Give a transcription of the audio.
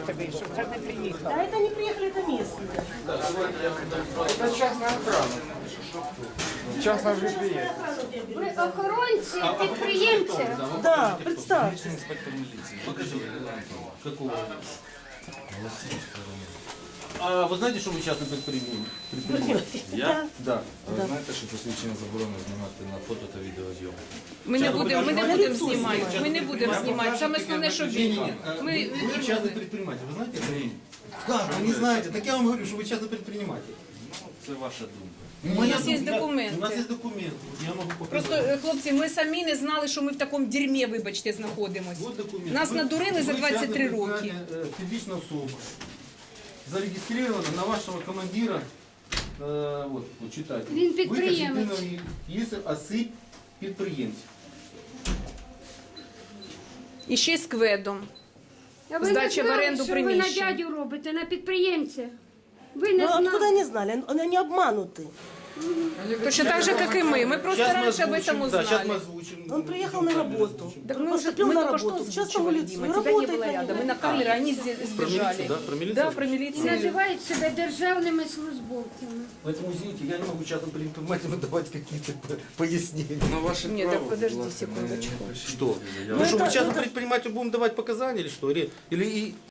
ти вийшов, це ж не приїхав. Да это не приехали, это местные. Це частна охрана. Частна вже приїхала. Ви охоронці, підприємці. Да, представь. Инспектор милиции. Покажи, какого? А вы знаете, что вы частный предприниматель? Я? Да. Ви знаєте, що посвідчення заборонено знімати на фото та відеозйомку? Ми не будемо знімати. Ми не будемо знімати. Саме основне, що він. Ми Вы частный предприниматель, вы знаете это? Как? Вы не знаете? Так я вам говорю, что вы частный предприниматель. Це ваша думка. У нас є документи. У нас есть документы. Вот я могу показать. Просто, хлопці, ми самі не знали, що ми в такому дерьмі, вибачте, знаходимося. Вот документ. Нас надурили за 23 роки. Фізична особа. Зарегистрирована на вашего командира. Вот читайте. Він підприємець. Если осип підприємців. І ще з кведом. А ви Здача не в знали, оренду що ви на приміщень. дядю робите, на підприємця? Ви не Ну откуда знали. они знали? Они обмануты. Точно так же, як і ми. Ми просто раніше об этом Да, сейчас мы узнали. озвучим. Он приехал на работу. Так Он мы поступил мы на только что работу в частном озвучивали, лице. Дима, И тебя не работает было на рядом. него. Мы на камеры, они сбежали. милицию, да? Про милицию? Да, про І милицию. називають себе державними службовцями. Поэтому, извините, я не могу частным предпринимателям давать какие-то пояснения. Ну, ваше Ні, право, так подожди будь ласка, секундочку. не пишіть Что? заяву. Ну что, мы это- частному предпринимателю будем давать показания или что? Или